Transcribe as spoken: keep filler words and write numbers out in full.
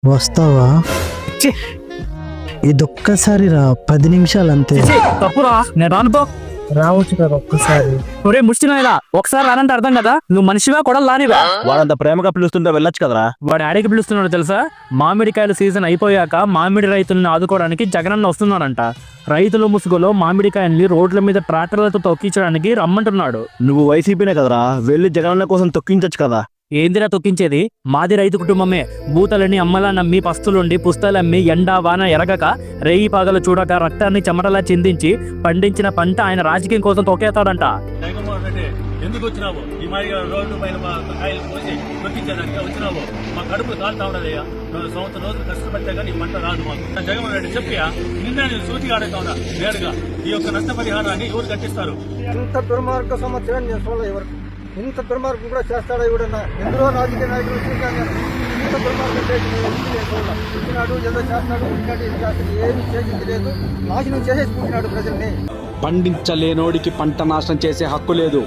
వస్తావా? ఛీ, ఇదొక్కసారి రా, పది నిమిషాలు అంతే. ఛీ, తప్పురా, నేను రానుపో. రావచ్చు కదా ఒక్కసారి. ఒరే ముష్టినాయలా, ఒకసారి రానంటే అర్థం కదా, నువ్వు మనిషివా కొడలు రానివా? వాడంత ప్రేమగా పిలుస్తుంటే వెళ్ళొచ్చు కదరా. వాడు ఆడికి పిలుస్తున్నాడు తెలుసా? మామిడికాయల సీజన్ అయిపోయాక మామిడి రైతులను ఆదుకోవడానికి జగనన్న వస్తున్నాడంట. రైతుల ముసుగులో మామిడికాయల్ని రోడ్ల మీద ట్రాక్టర్లతో తొక్కించడానికి రమ్మంటున్నాడు. నువ్వు వైసీపీనే కదరా, వెళ్ళి జగనన్న కోసం తొక్కించచ్చు కదా. ఏందిరా తొక్కించేది? మాది రైతు కుటుంబమే. బూతలని అమ్మలా నమ్మి పస్తులుండి పుస్తలమ్మి ఎండా వాన ఎరగక రేయి పాగలు చూడక రక్తాన్ని చెమటలా చిందించి పండించిన పంట ఆయన రాజకీయం కోసం తొక్కేస్తాడంట. జగన్మోహన్ రెడ్డి ఎందుకు వచ్చినావు? ఈ మాదిరిగా రోడ్డు పైన మా కాయలు పోసి తొక్కించడానికి వచ్చినావు. మా కడుపులు కాలుతా ఉండదయ్యా. సంవత్సరం రోజులు కష్టపడితే కానీ ఈ పంట రాదు మాకు. జగన్మోహన్ రెడ్డి చెప్పియా, నిన్న నేను సూచిగా అడుగుతా ఉన్నా నేరుగా, ఈ యొక్క నష్టపరిహారాన్ని ఎవరు కట్టిస్తారు? ఇంత దుర్మార్గ సంవత్సరం నేను చూడలే ఎవరు. ఇంత దుర్మార్గం కూడా చేస్తాడా ఎవడన్నా? ఎందులో రాజకీయ నాయకులు చూశాను. ఇంత దుర్మార్గం చేసి పుట్టినాడు, ఏదో చేస్తాడు, పుట్టినాడు, ఇది చేస్తాడు, ఏమి చేసింది లేదు. నాశనం చేసేసి పుట్టినాడు ప్రజల్ని. పండించలేనోడికి పంట నాశనం చేసే హక్కు లేదు.